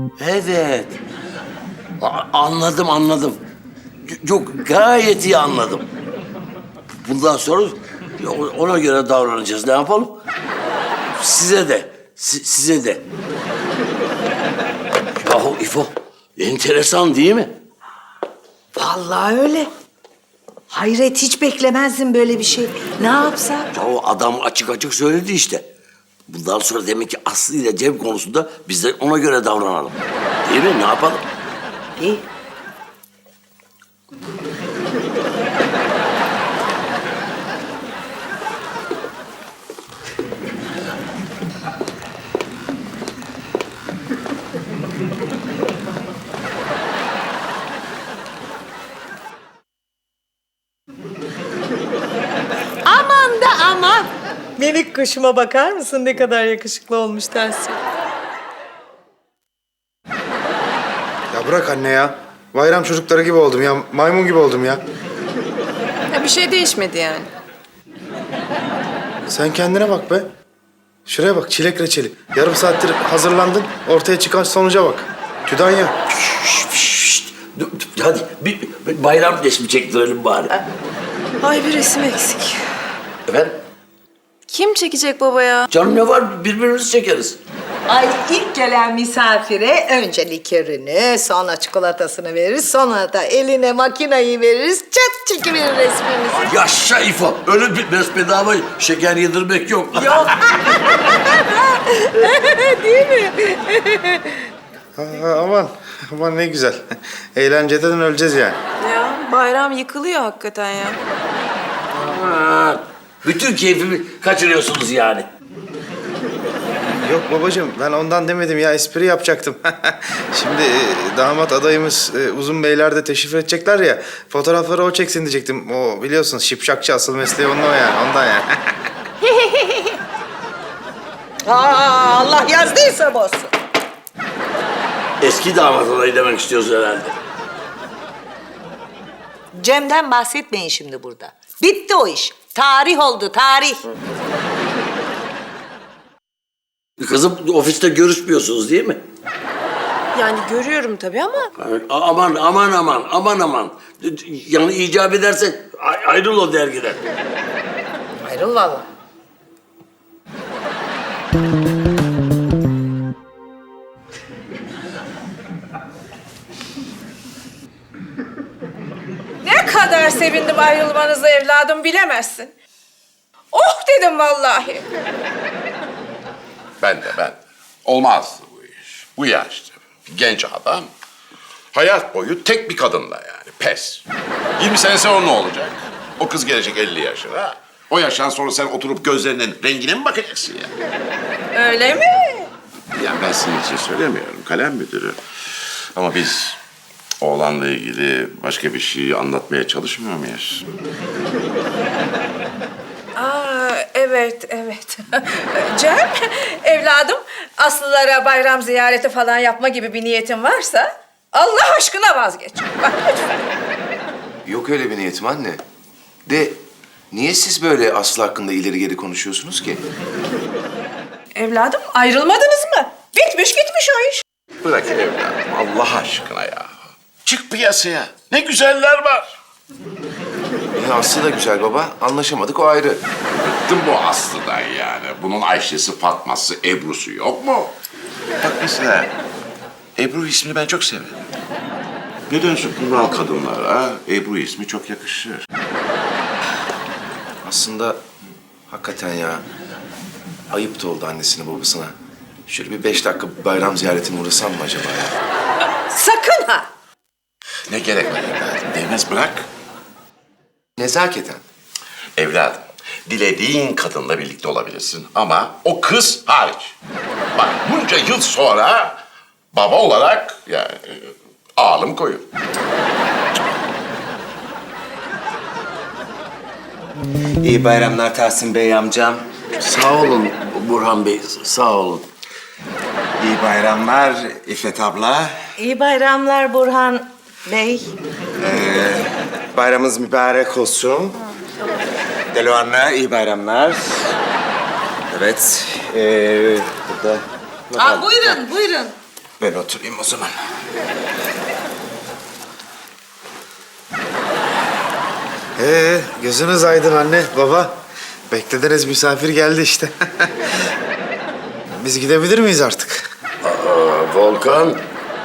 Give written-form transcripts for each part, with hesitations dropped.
Evet. Anladım. Yok, gayet iyi anladım. Bundan sonra ona göre davranacağız. Ne yapalım? Size de, size de. Yahu İfo, enteresan değil mi? Vallahi öyle. Hayret, hiç beklemezdim böyle bir şey. Ne yapsak? Yahu adam açık açık söyledi işte. Bundan sonra demek ki Aslı ile Cem konusunda biz de ona göre davranalım. Değil mi? Ne yapalım? İyi. Aman da aman. Minik kuşuma bakar mısın, ne kadar yakışıklı olmuş Tahsin. Ya bırak anne ya. Bayram çocukları gibi oldum ya. Maymun gibi oldum ya. Ya bir şey değişmedi yani. Sen kendine bak be. Şuraya bak, çilek reçeli. Yarım saattir hazırlandın, ortaya çıkan sonuca bak. Tüdanya. Şşt. Hadi bir bayram resmi çektirelim bari. Ay bir resim eksik. Efendim? Kim çekecek baba ya? Canım ne var? Birbirimizi çekeriz. Ay, ilk gelen misafire önce likörünü, sonra çikolatasını veririz, sonra da eline makinayı veririz, çat çekiverir resmimizi. Yaşa İfo. Öyle bir bedava şeker yedirmek yok. Yok. Değil mi? Aman ne güzel. Eğlenceden öleceğiz yani. Ya bayram yıkılıyor hakikaten ya. Ha, bütün keyfimi kaçırıyorsunuz yani. Yok babacığım, ben ondan demedim ya, espri yapacaktım. Şimdi damat adayımız Uzun Beyler de teşrif edecekler ya, fotoğrafları o çeksin diyecektim. O biliyorsun şipşakçı, asıl mesleği onun o yani, ondan yani. Allah yazdıysa bozsun. Eski damat adayı demek istiyorsun herhalde. Cem'den bahsetmeyin şimdi burada. Bitti o iş. Tarih oldu, tarih. Kızım, ofiste görüşmüyorsunuz değil mi? Yani görüyorum tabii ama Aman. Yani icap ederse ayrıl o dergiden. Ayrıl vallahi. ne kadar sevindim ayrılmanıza evladım bilemezsin. Oh dedim vallahi. Ben de. Olmaz bu iş. Bu yaşta. Genç adam. Hayat boyu tek bir kadınla yani. Pes. 20 sene sonra ne olacak? O kız gelecek 50 yaşına. O yaştan sonra sen oturup gözlerinin rengine mi bakacaksın ya? Öyle mi? Ya ben senin için söylemiyorum. Kalem müdürü. Ama biz oğlanla ilgili başka bir şey anlatmaya çalışmıyor muyuz? Evet. Cem, evladım, Aslılara bayram ziyareti falan yapma gibi bir niyetin varsa Allah aşkına vazgeç. Bak lütfen. Yok öyle bir niyetim anne. De niye siz böyle Aslı hakkında ileri geri konuşuyorsunuz ki? Evladım, ayrılmadınız mı? Bitmiş gitmiş o iş. Bırak evladım Allah aşkına ya. Çık piyasaya. Ne güzeller var. Aslı da güzel baba. Anlaşamadık, o ayrı. Bıktım bu Aslı'dan yani. Bunun Ayşe'si, Fatma'sı, Ebru'su yok mu? Bak mesela Ebru ismini ben çok severim. Nedense kural kadınlara Ebru ismi çok yakışır. Aslında hakikaten ya. Ayıp da oldu annesine babasına. Şöyle bir 5 dakika bayram ziyaretine uğrasam mı acaba ya? Sakın ha! Ne gerek var evladım? Değmez bırak. Nezaketen. Evladım, dilediğin kadınla birlikte olabilirsin ama o kız hariç. Bak bunca yıl sonra baba olarak yani ağlım koyun. İyi bayramlar Tahsin Bey amcam. Sağ olun Burhan Bey, sağ olun. İyi bayramlar İffet abla. İyi bayramlar Burhan Bey. Bayramınız mübarek olsun. Delo anne iyi bayramlar. Evet. Burada. Buyurun. Ben oturayım o zaman. Gözünüz aydın anne, baba. Beklediğiniz misafir geldi işte. Biz gidebilir miyiz artık? Volkan,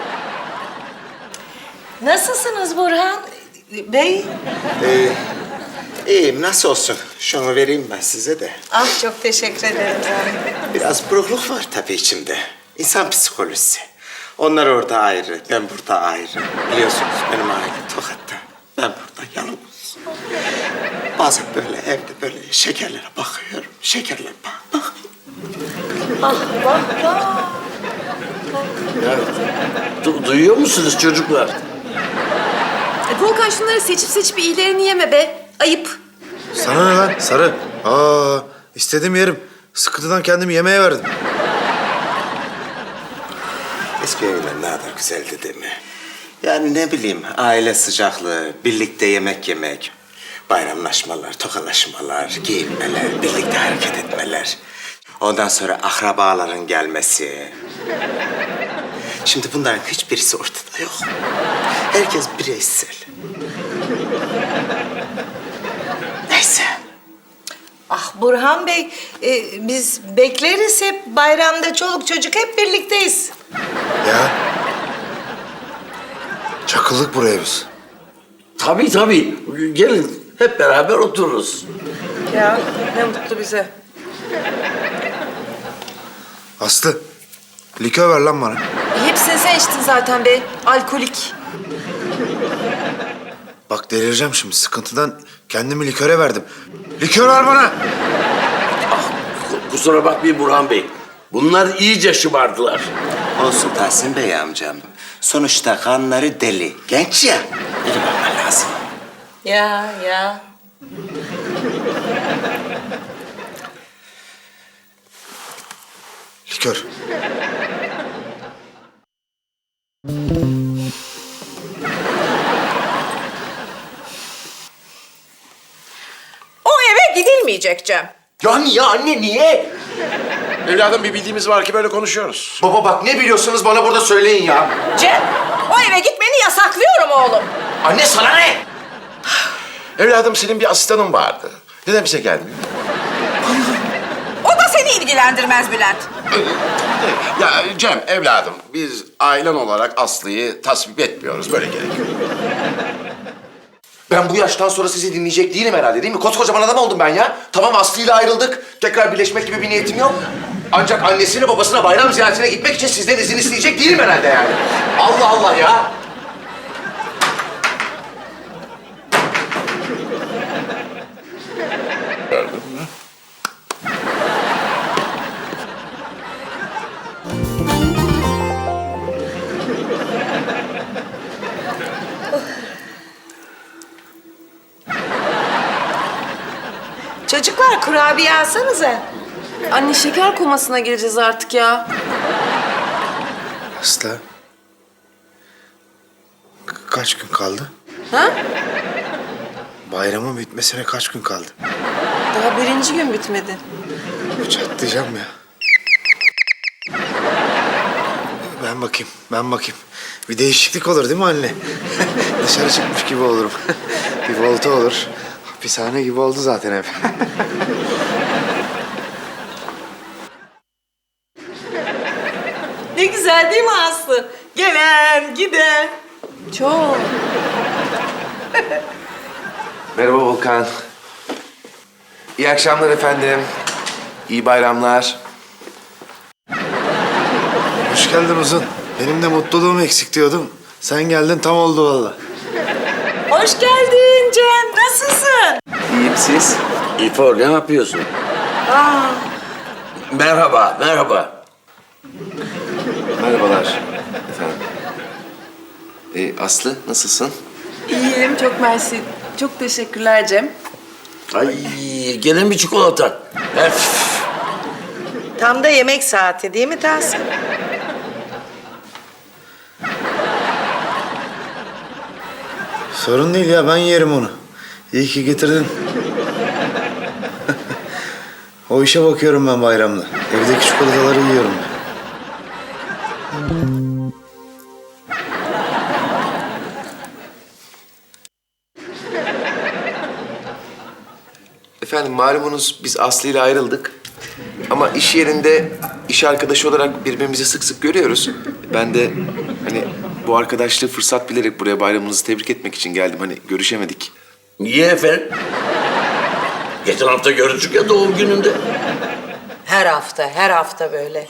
Nasılsınız Burhan Bey? İyiyim, nasıl olsun? Şunu vereyim ben size de. Ah çok teşekkür ederim canım. Biraz burukluk var tabii içimde. İnsan psikolojisi. Onlar orada ayrı, ben burada ayrı. Biliyorsunuz benim aile Tokat'ta. Ben burada yalnız. Bazen böyle evde böyle şekerlere bakıyorum. Şekerlere bakıyorum. Ah vah vah. duyuyor musunuz çocuklar? Volkan şunları seçip iyilerini yeme be. Ayıp. Sana ne lan Sarı? İstediğim yerim. Sıkıntıdan kendimi yemeğe verdim. Eski evler ne kadar güzeldi değil mi? Yani ne bileyim, aile sıcaklığı, birlikte yemek yemek, bayramlaşmalar, tokalaşmalar, giyinmeler, birlikte hareket etmeler. Ondan sonra akrabaların gelmesi. Şimdi bunların hiçbirisi ortada yok. Herkes bireysel. Neyse. Ah Burhan Bey, biz bekleriz hep bayramda çoluk çocuk hep birlikteyiz. Ya. Çakıldık buraya biz. Tabii. Gelin hep beraber otururuz. Ya ne mutlu bize. Aslı, likör ver lan bana. Hepsini sen içtin zaten be. Alkolik. Bak delireceğim şimdi. Sıkıntıdan kendimi liköre verdim. Likör ver bana. Kusura bakmayın Burhan Bey. Bunlar iyice şımardılar. Olsun Tahsin Bey amcam. Sonuçta kanları deli. Genç ya. Biri bakman lazım. Ya. Likör. O eve gidilmeyecek Cem. Ya niye anne, niye? Evladım bir bildiğimiz var ki böyle konuşuyoruz. Baba bak, ne biliyorsunuz bana burada söyleyin ya. Cem, o eve gitmeni yasaklıyorum oğlum. Anne sana ne? Evladım senin bir asistanın vardı. Neden bize gelmiyor? O da seni ilgilendirmez Bülent. Ya Cem evladım biz ailen olarak Aslı'yı tasvip etmiyoruz. Böyle gerekiyor. Ben bu yaştan sonra sizi dinleyecek değilim herhalde, değil mi? Koskocaman adam oldum ben ya. Tamam, Aslı'yla ayrıldık. Tekrar birleşmek gibi bir niyetim yok. Ancak annesine babasına bayram ziyaretine gitmek için sizden izin isteyecek değilim herhalde yani. Allah Allah ya. Gördün mü? Çocuklar kurabiye alsanıza. Anne şeker komasına gireceğiz artık ya. Aslı. Kaç gün kaldı? Ha? Bayramın bitmesine kaç gün kaldı? Daha birinci gün bitmedi. Çatlayacağım ya. Ben bakayım. Bir değişiklik olur değil mi anne? Dışarı çıkmış gibi olurum. Bir volta olur. Hapishane gibi oldu zaten ev. Ne güzel değil mi Aslı? Gelen, giden. Çok. Merhaba Volkan. İyi akşamlar efendim. İyi bayramlar. Hoş geldin Uzun. Benim de mutluluğum eksik diyordum. Sen geldin, tam oldu vallahi. Hoş geldin Cem. Nasılsın? İyiyim, siz? İfor ne yapıyorsun? Merhaba. Merhabalar efendim. Aslı, nasılsın? İyiyim, çok mersi. Çok teşekkürler Cem. Ay gene bir çikolata. Tam da yemek saati değil mi Tahsin? Sorun değil ya, ben yerim onu. İyi ki getirdin. O işe bakıyorum ben bayramda. Evdeki çikolataları yiyorum ben. Efendim malumunuz biz Aslı ile ayrıldık. Ama iş yerinde iş arkadaşı olarak birbirimizi sık sık görüyoruz. Ben de hani bu arkadaşlığı fırsat bilerek buraya bayramınızı tebrik etmek için geldim. Hani görüşemedik. Niye efendim? Geçen hafta görüştük ya doğum gününde. Her hafta böyle.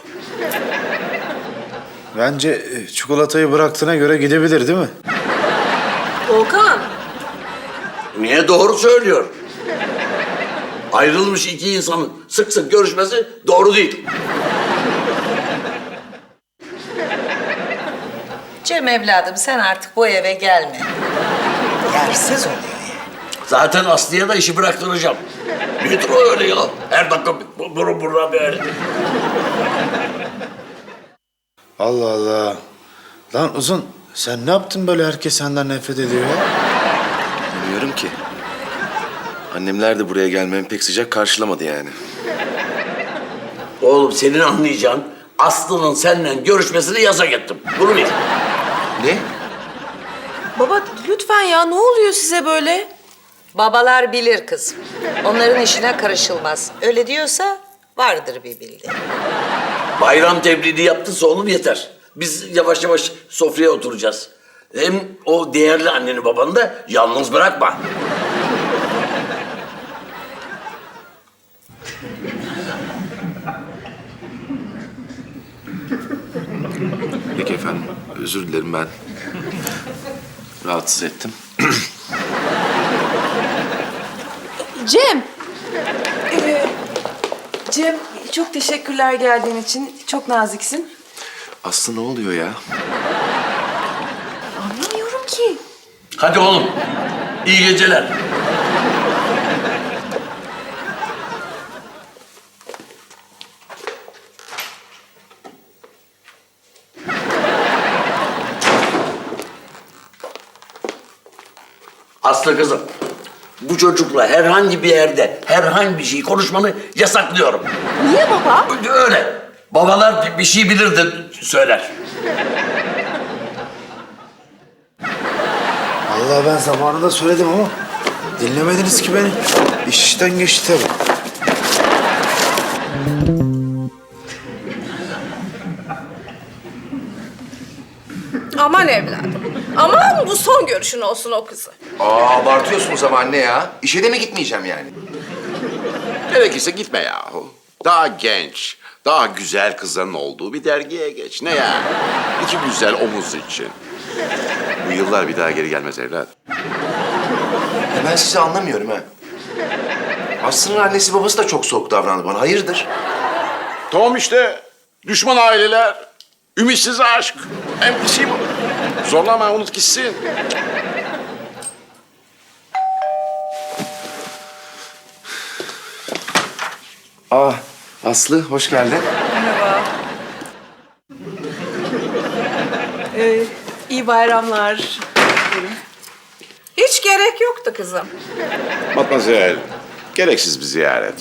Bence çikolatayı bıraktığına göre gidebilir değil mi? Volkan. Niye doğru söylüyor? Ayrılmış iki insanın sık sık görüşmesi doğru değil. Cem evladım sen artık bu eve gelme. Yersiz oluyor yani. Zaten Aslı'ya da işi bıraktıracağım. Nedir o öyle ya? Her dakika buradan böyle. Allah Allah. Lan Uzun, sen ne yaptın böyle herkes senden nefret ediyor ya? Bilmiyorum ki. Annemler de buraya gelmemi pek sıcak karşılamadı yani. Oğlum senin anlayacağın Aslı'nın seninle görüşmesini yasak ettim. Bunu bil. Ne? Baba lütfen ya ne oluyor size böyle? Babalar bilir kızım. Onların işine karışılmaz. Öyle diyorsa vardır bir bildiği. Bayram tebliğini yaptıysa oğlum yeter. Biz yavaş yavaş sofraya oturacağız. Hem o değerli anneni babanı da yalnız bırakma. Peki efendim. Özür dilerim ben. Rahatsız ettim. Cem. Cem çok teşekkürler geldiğin için. Çok naziksin. Aslı ne oluyor ya? Anlamıyorum ki. Hadi oğlum. İyi geceler. Aslı kızım, bu çocukla herhangi bir yerde herhangi bir şey konuşmanı yasaklıyorum. Niye baba? Öyle. Babalar bir şey bilir de söyler. Allah ben zamanında söyledim ama dinlemediniz ki beni. İş işten geçti tabii. Aman evladım. Aman bu son görüşün olsun o kızı. Abartıyorsunuz ama anne ya. İşe de mi gitmeyeceğim yani? Gerekirse gitme yahu. Daha genç, daha güzel kızların olduğu bir dergiye geç. Ne ya? İki güzel omuz için. Bu yıllar bir daha geri gelmez evlat. Ya ben sizi anlamıyorum ha. Aslı'nın annesi babası da çok soğuk davrandı bana. Hayırdır? Tamam işte. Düşman aileler, ümitsiz aşk. NPC bu. Zorlama, unut gitsin. Aslı hoş geldin. İyi bayramlar. Hiç gerek yoktu kızım. Matmazel, gereksiz bir ziyaret.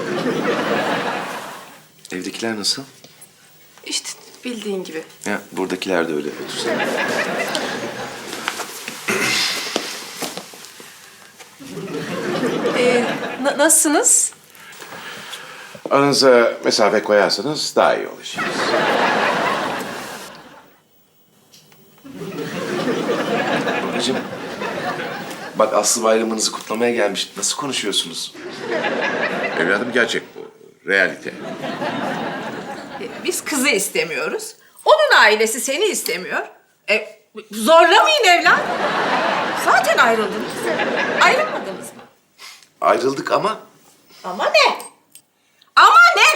Evdekiler nasıl? İşte bildiğin gibi. Ya buradakiler de öyle. Otursana. Nasılsınız? Aranıza mesafe koyarsanız daha iyi olacak. Babacığım, bak Aslı bayramınızı kutlamaya gelmiş. Nasıl konuşuyorsunuz? Evladım gerçek bu. Realite. Biz kızı istemiyoruz. Onun ailesi seni istemiyor. Zorlamayın evlat. Zaten ayrıldınız. Ayrılmadınız mı? Ayrıldık ama Ama ne? Ama ne?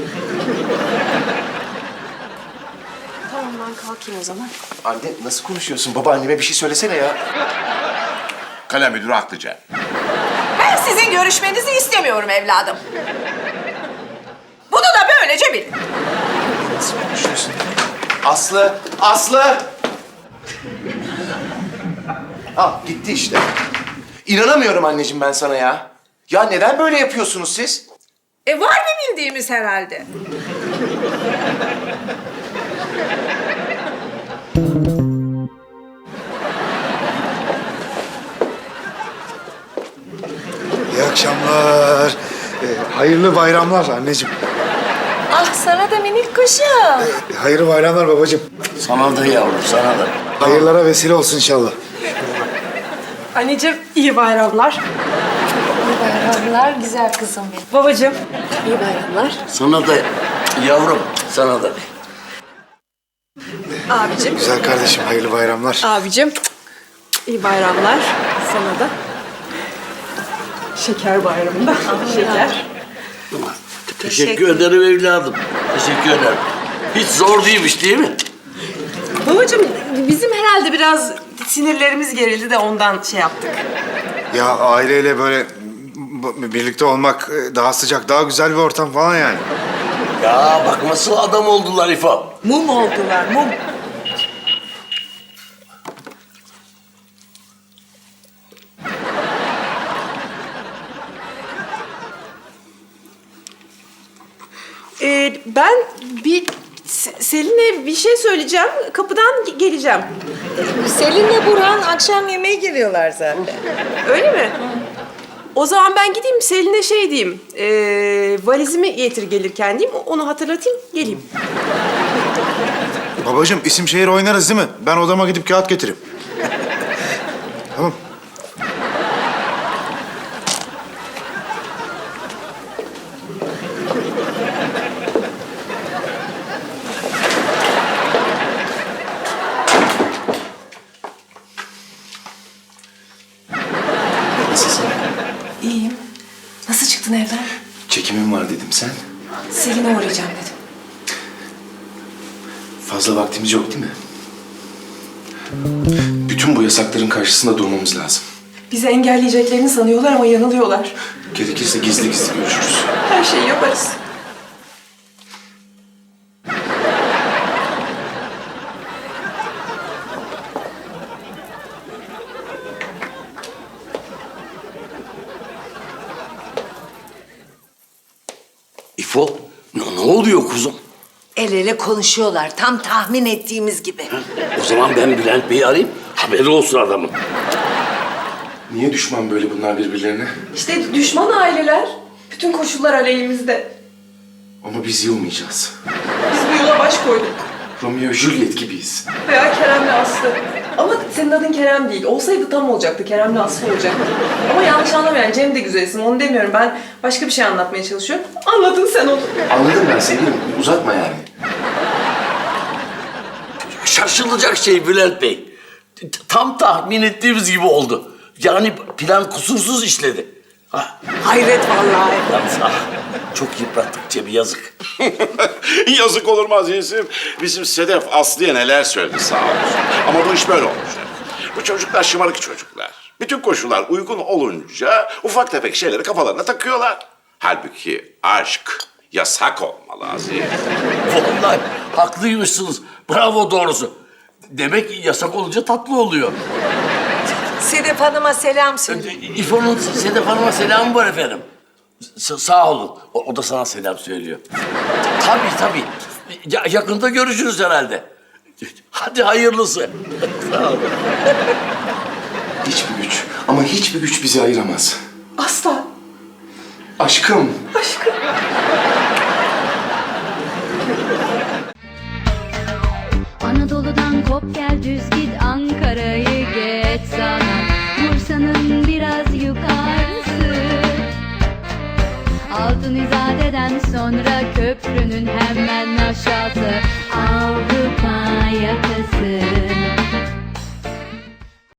Tamam ben kalkayım o zaman. anne nasıl konuşuyorsun? Babaanneme bir şey söylesene ya. Kalem müdürü haklıca. Ben sizin görüşmenizi istemiyorum evladım. Bunu da böylece bilin. Nasıl konuşuyorsun? Aslı! Aslı! Ah gitti işte. İnanamıyorum anneciğim ben sana ya. Ya neden böyle yapıyorsunuz siz? Var bir bildiğimiz herhalde. İyi akşamlar. Hayırlı bayramlar anneciğim. Ah sana da minik kuşum. Hayırlı bayramlar babacığım. Sana da yavrum, sana da. Hayırlara vesile olsun inşallah. Anneciğim iyi bayramlar. İyi bayramlar güzel kızım benim. Babacığım iyi bayramlar. Sana da yavrum, sana da. Abicim, Güzel kardeşim hayırlı bayramlar. abicim iyi bayramlar sana da. Şeker bayramında. Şeker. Teşekkür ederim evladım. Teşekkür ederim. Hiç zor değilmiş değil mi? Babacığım bizim herhalde biraz sinirlerimiz gerildi de ondan şey yaptık. Ya aileyle böyle birlikte olmak daha sıcak, daha güzel bir ortam falan yani. Ya bak nasıl adam oldular İfo. Mum oldular mum. Ben bir Selin'e bir şey söyleyeceğim. Kapıdan geleceğim. Selin'le Burhan akşam yemeğe geliyorlar zaten. Öyle mi? O zaman ben gideyim Selin'e şey diyeyim. Valizimi getir gelirken diyeyim. Onu hatırlatayım, geleyim. Babacığım isim şehir oynarız değil mi? Ben odama gidip kağıt getireyim. Tamam. İyiyim. Nasıl çıktın evden? Çekimim var dedim sen. Selin'e uğrayacağım dedim. Fazla vaktimiz yok değil mi? Bütün bu yasakların karşısında durmamız lazım. Bizi engelleyeceklerini sanıyorlar ama yanılıyorlar. Gerekirse gizli gizli görüşürüz. Her şeyi yaparız. İfo, ne oluyor kuzum? El ele konuşuyorlar tam tahmin ettiğimiz gibi. O zaman ben Bülent Bey'i arayayım, haberi olsun adamın. Niye düşman böyle bunlar birbirlerine? İşte düşman aileler. Bütün koşullar aleyhimizde. Ama biz yılmayacağız. Biz bu yola baş koyduk. Romeo Juliet gibiyiz. Veya Kerem'le Aslı. Ama senin adın Kerem değil. Olsaydı tam olacaktı. Kerem'le Aslı olacaktı. Ama yanlış anlama yani. Cem de güzel isim. Onu demiyorum. Ben başka bir şey anlatmaya çalışıyorum. Anladın sen onu. Anladım ben sevgilim. Uzatma yani. Şaşılacak şey Bülent Bey. Tam tahmin ettiğimiz gibi oldu. Yani plan kusursuz işledi. Ha, Hayret vallahi. yalnız çok yıprattık Cem'i, yazık. Yazık olur mu azizim? Bizim Sedef Aslı'ya neler söyledi sağ olsun. Ama bu iş böyle olacak. Bu çocuklar şımarık çocuklar. Bütün koşullar uygun olunca ufak tefek şeyleri kafalarına takıyorlar. Halbuki aşk yasak olmalı Aziz. Vallahi haklıymışsınız. Bravo doğrusu. Demek yasak olunca tatlı oluyor. Sedef Hanım'a selam söyle. İfo'nun Sedef Hanım'a selamı var efendim. Sağ olun. O da sana selam söylüyor. Tabii. Yakında görüşürüz herhalde. Hadi hayırlısı. Sağ olun. Hiçbir güç ama hiçbir güç bizi ayıramaz. Asla. Aşkım. Aşkım. Anadolu'dan kop gel düz git Ankara'yı geç sana Bursa'nın biraz yukarısı Altın İzade'den sonra köprünün hemen aşağısı